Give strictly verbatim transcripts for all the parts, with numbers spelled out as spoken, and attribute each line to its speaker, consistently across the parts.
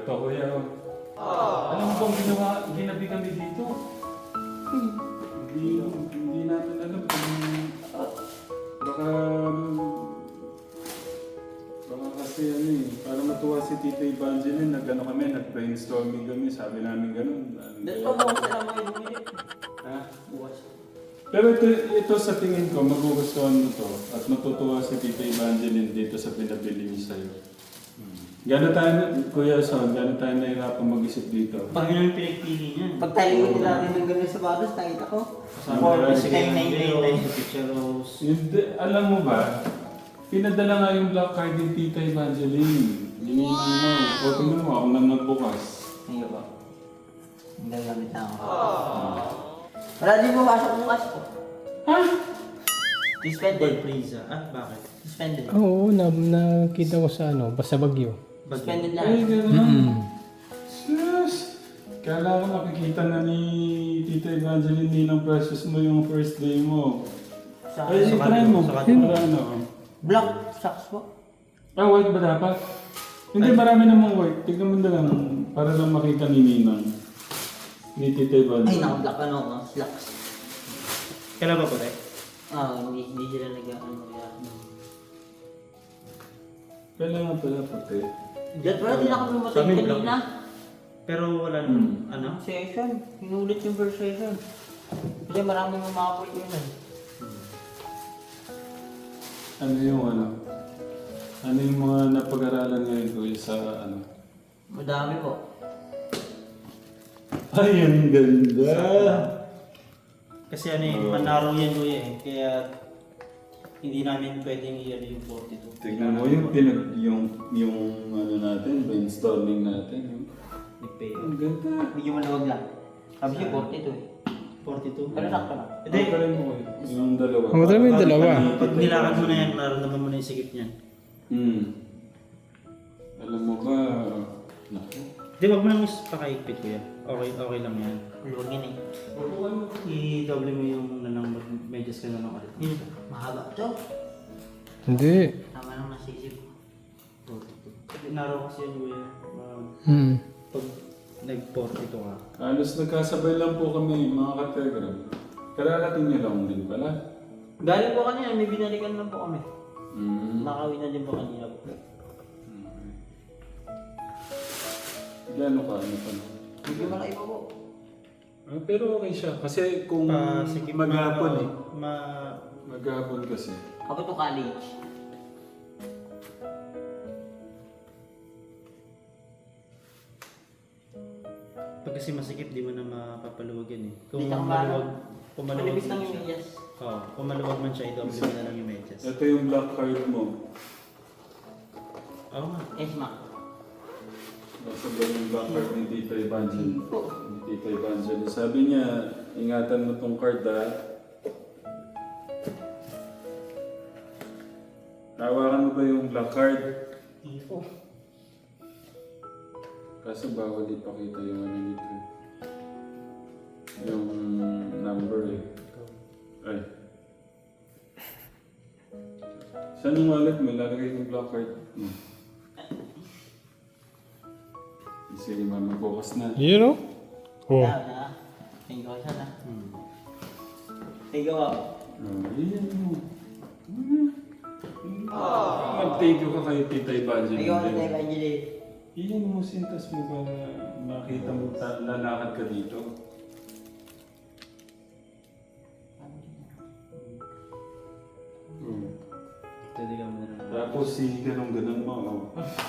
Speaker 1: pa kuya. Alam mo bang ginawa, ginabi kami dito? Hindi, hindi natin alam kung baka, baka kasi ano eh, para matuwa si Tita Evangeline, nag-ano kami, nag-brainstorming kami, sabi namin ganun.
Speaker 2: Dito pa bukas na lang mga bumili.
Speaker 1: Ha?
Speaker 2: Bukas.
Speaker 1: Pero ito, ito sa tingin ko, magugustuhan mo to at matutuwa si Tita Evangeline dito sa pinabili niya sa'yo. Gano'n tayo, Kuya Son, gano'n tayo nahirapan mag-isip dito?
Speaker 3: Pag yun ang pinagpili niya.
Speaker 2: Pag tayo hindi natin ng ganun sa batas, nakita ko.
Speaker 1: Kasama
Speaker 2: For
Speaker 1: tayo.
Speaker 2: the nine nine nine nine.
Speaker 3: Picture rose.
Speaker 1: Hindi, alam mo ba, pinadala nga yung black card ni Tita Evangeline. Hindi mo, o tingnan mo, ako nang nagbukas.
Speaker 2: Ngayon ba? Ang gagamit na ako. Wala din pumasok bukas ko.
Speaker 1: Ha?
Speaker 2: Suspended.
Speaker 3: Bird freezer. Ah, bakit?
Speaker 2: Suspended.
Speaker 4: Oo, na, nakita ko sa ano, basta bagyo.
Speaker 2: Suspended
Speaker 1: Ay,
Speaker 2: lang.
Speaker 1: gano'n.
Speaker 4: Mm.
Speaker 1: Sus! Kala ko nakikita na ni Tita Evangeline ninang precious mo yung first day mo.
Speaker 2: Sa
Speaker 1: Ay,
Speaker 3: sa
Speaker 1: try mo.
Speaker 3: sa
Speaker 1: Para ano?
Speaker 2: black socks po.
Speaker 1: Ah, white ba dapat? Hindi, marami namang white. Tignan mo na lang, para lang makita ni Ninang. Ni Tita
Speaker 2: Ay,
Speaker 1: Evangeline.
Speaker 2: naka-black ano ko, slacks.
Speaker 3: Kailan ba po rin?
Speaker 2: Ah, hindi, hindi sila nag-ano.
Speaker 1: Kailangan pala puti.
Speaker 2: Dahil pala din ako
Speaker 3: Sa
Speaker 2: pumatay
Speaker 3: amin, black.
Speaker 2: kanina.
Speaker 3: Pero wala nang,
Speaker 1: Hmm.
Speaker 3: ano?
Speaker 2: Session. Hinulit yung first session. Kasi maraming mamakoy yun eh.
Speaker 1: Ano yung ano? Ano yung mga napag-aralan ngayon ko sa ano?
Speaker 2: Madami po.
Speaker 1: Ay, ang ganda!
Speaker 3: Kasi ano eh, manaro yan kuya eh. Kaya hindi namin pwedeng i-ano yung forty-two.
Speaker 1: Tignan mo yung pinag... yung... yung ano natin, brainstorming natin. Yung,
Speaker 3: Nag-pay.
Speaker 1: ang ganda!
Speaker 2: Medyo maluwag lang. Sabi siya forty-two eh.
Speaker 3: forty-two?
Speaker 2: Pero sakto lang.
Speaker 3: Hindi.
Speaker 1: Ang galing mo eh. Yung dalawa.
Speaker 4: Ang madali mo yung dalawa.
Speaker 3: Pag nilakad mo na yan, nararamdaman mo na yung sikip niyan.
Speaker 1: Hmm. Alam mo ba... Naku.
Speaker 3: Di, wag mo nang pakaigpit kuya. Okay, okay lang yan.
Speaker 2: Maluwag yun eh.
Speaker 3: I-double mo yung nanang medyas ka na lang ulit.
Speaker 2: Yun, mahaba to.
Speaker 4: Hindi.
Speaker 2: Tama lang nasisip.
Speaker 3: forty-two. Naro kasi yan kuya. Uh,
Speaker 4: Hmm.
Speaker 3: pag nag-forty-two ka.
Speaker 1: Halos nagkasabay lang po kami, mga kategram. Kararating niyo lang din pala.
Speaker 2: Galing po kanina, may binalikan lang po kami.
Speaker 1: Hmm.
Speaker 2: Nakawin na din po kanina po.
Speaker 1: Gano'n ka, ano pa?
Speaker 2: Hindi malaki pa po.
Speaker 1: Ah, pero okay siya. Kasi kung
Speaker 3: Pa, sige,
Speaker 1: maghapon
Speaker 3: ma-
Speaker 1: eh.
Speaker 3: Ma...
Speaker 1: Maghapon kasi.
Speaker 2: Ako to college.
Speaker 3: Pag kasi masikip, di mo na mapapaluwag yan eh. Kung
Speaker 2: Di ka
Speaker 3: maluwag, kung maluwag
Speaker 2: Manipis lang
Speaker 3: man
Speaker 2: yung
Speaker 3: siya.
Speaker 2: medyas.
Speaker 3: Oo, kung maluwag man siya, i-double mo na lang yung medyas.
Speaker 1: Ito yung black card mo.
Speaker 3: Oo nga.
Speaker 2: Yes, ma.
Speaker 1: Nasa ba yung black card ni Tita Evangeline?
Speaker 2: Po.
Speaker 1: Ni Tita Evangeline. Sabi niya, ingatan mo tong card ha. Hawakan mo ba yung black card?
Speaker 2: Hindi.
Speaker 1: Kaso bawal ipakita yung ano nito. Yung number eh. Ay. Saan yung wallet mo? Lalagay yung black card. Hmm. Sige, mama, bukas na.
Speaker 4: Yun o? Oh.
Speaker 2: Na, na. Thank you siya na.
Speaker 3: Hmm.
Speaker 2: Thank you po.
Speaker 1: Oh, iyan mo. Hmm. Mag-thank you ka kay Tita Evangeline.
Speaker 2: Thank you po, Tita Evangeline.
Speaker 1: Iyan mo, sintas mo ba makita mo ta- lalakad ka dito? Hmm.
Speaker 3: Pwede ka mo na lang.
Speaker 1: Tapos si ganun-ganun mo. Oh.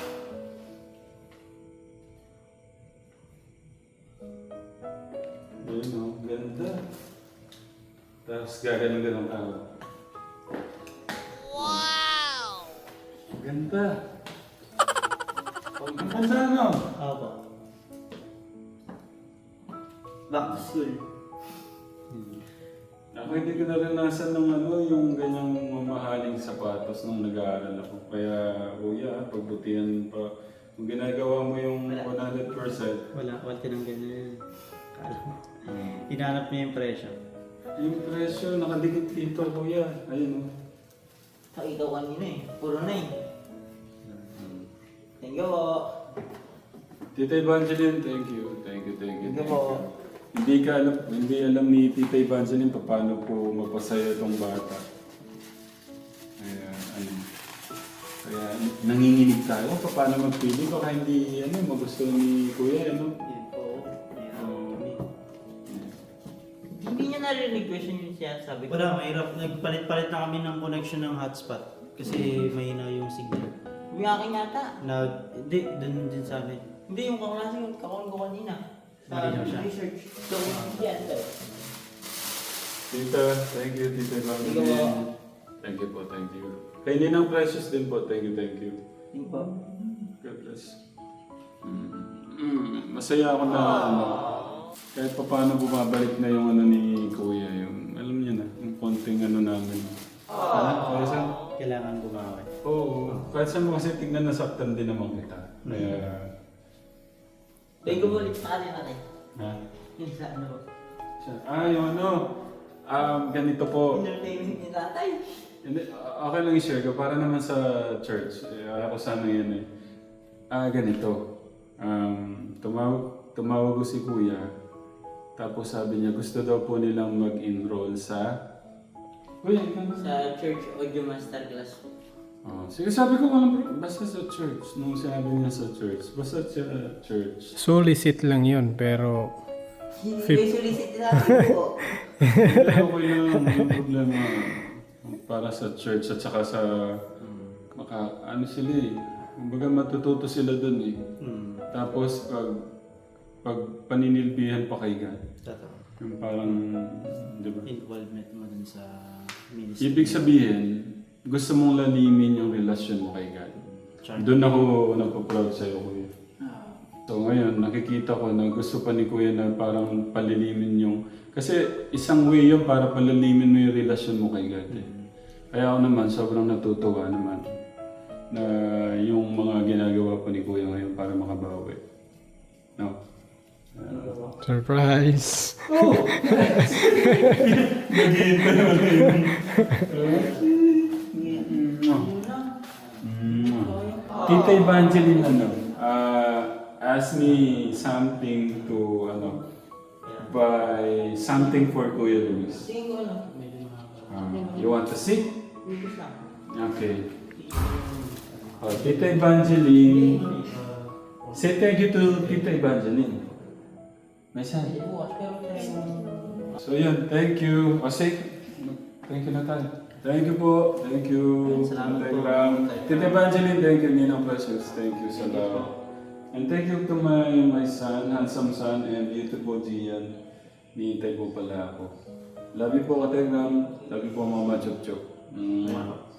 Speaker 1: Ayun oh, ganda. Tapos gaganon-ganon ka. Wow! Ganda. Ang ganda no?
Speaker 3: Oo po.
Speaker 2: Back to school.
Speaker 1: Ako hindi ko naranasan ng ano, yung ganyang mamahaling sapatos nung nag-aaral ako. Kaya, kuya, pagbutihan pa. Kung ginagawa mo yung one hundred percent,
Speaker 3: Wala, wala tinanggal na yan. Kala mo.
Speaker 1: hmm.
Speaker 3: Hinanap niya yung presyo.
Speaker 1: yung presyo, nakadikit dito, kuya. Ayun o.
Speaker 2: So, ikaw kanina eh. Puro na eh. Thank you po.
Speaker 1: Tita Evangeline, thank you. Thank you, thank you.
Speaker 2: Thank you
Speaker 1: Thank
Speaker 2: po.
Speaker 1: you. Hindi ka alam, hindi alam ni Tita Evangeline pa paano po mapasaya itong bata. Kaya, ano, kaya nanginginig tayo pa paano magpili. Baka hindi, ano, magusto ni Kuya, ano?
Speaker 3: Yun po. Mahirap
Speaker 1: Oo.
Speaker 3: kami.
Speaker 2: Hindi niya narinig question yung siya sabi ko.
Speaker 3: Wala, mahirap. Nagpalit-palit na kami ng connection ng hotspot. Kasi mahina yung signal.
Speaker 2: Yung akin yata.
Speaker 3: Nag... Hindi, dun din sa amin.
Speaker 2: Hindi, yung kaklase yung kakon ko kanina. Sa
Speaker 3: Malinaw siya.
Speaker 2: research. So, yan.
Speaker 1: Tita, thank you, Tita
Speaker 2: Thank you po.
Speaker 1: Evangeline. Thank you po, thank you. Kay Ninang Precious din po, thank you, thank you.
Speaker 2: Yung po.
Speaker 1: God bless. Mm. Mm. Masaya ako na ano, kahit pa paano bumabalik na yung ano ni Kuya, yung alam niyo na, yung konting ano namin. Ah, kaya sa,
Speaker 3: Kailangan bumawi.
Speaker 1: oo, kahit saan mo kasi tignan nasaktan din naman kita. Kaya,
Speaker 2: Thank you po ulit sa kanina natin.
Speaker 1: ha?
Speaker 2: Yung sa ano.
Speaker 1: Siya- Ah, yung ano, um, ganito po.
Speaker 2: Entertainment ni tatay.
Speaker 1: Hindi, okay lang i-share ko para naman sa church. Eh, ayaw ko sana yan eh. Ah, ganito. Um, tumawag, tumawag ko si Kuya. Tapos sabi niya, gusto daw po nilang mag-enroll sa... Kuya, ikaw na.
Speaker 2: Sa church audio masterclass po.
Speaker 1: Oh, sige, sabi ko walang basta sa church. Nung sinabi niya sa church, basta sa church.
Speaker 4: Solicit lang yun, pero
Speaker 2: Hindi
Speaker 4: Fif-
Speaker 2: kayo solicit natin po.
Speaker 1: Hindi okay lang yung problema para sa church at saka sa... Maka, ano sila eh. Kumbaga matututo sila dun eh.
Speaker 3: Hmm.
Speaker 1: Tapos pag pag paninilbihan pa kay God.
Speaker 3: Totoo.
Speaker 1: Yung parang, di ba?
Speaker 3: Involvement mo dun sa ministry.
Speaker 1: Ibig sabihin, gusto mong lalimin yung relasyon mo kay God.
Speaker 3: Char-
Speaker 1: Doon ako nagpo-proud sa'yo, Kuya. So ngayon, nakikita ko na gusto pa ni Kuya na parang palilimin yung... Kasi isang way yun para palilimin mo yung relasyon mo kay God. Eh. Kaya ako naman, sobrang natutuwa naman na yung mga ginagawa pa ni Kuya ngayon para makabawi. No? Uh,
Speaker 4: surprise.
Speaker 1: Nag-iintay mo na yun. Tita Evangeline, ano, uh, ask me something to, ano, buy something for Kuya Luis.
Speaker 2: Tingin ko ano.
Speaker 3: Medyo nakaka-
Speaker 1: Uh, you want to see?
Speaker 2: Bibis lang.
Speaker 1: Okay. Oh, Tita Evangeline. Say thank you to Tita Evangeline. May sabi.
Speaker 2: Hindi bukas pero try mo.
Speaker 1: So yun, thank you. O say, thank you na tayo. Thank you po. Thank you.
Speaker 3: Salamat po.
Speaker 1: Telegram. Tita Evangeline, thank you. Ninang Precious, thank you sa love. And thank you to my my son, handsome son, and beautiful Gian. Niintay po pala ako. Love you po, Kategram. Love you po, Mama Chok Chok. Mm.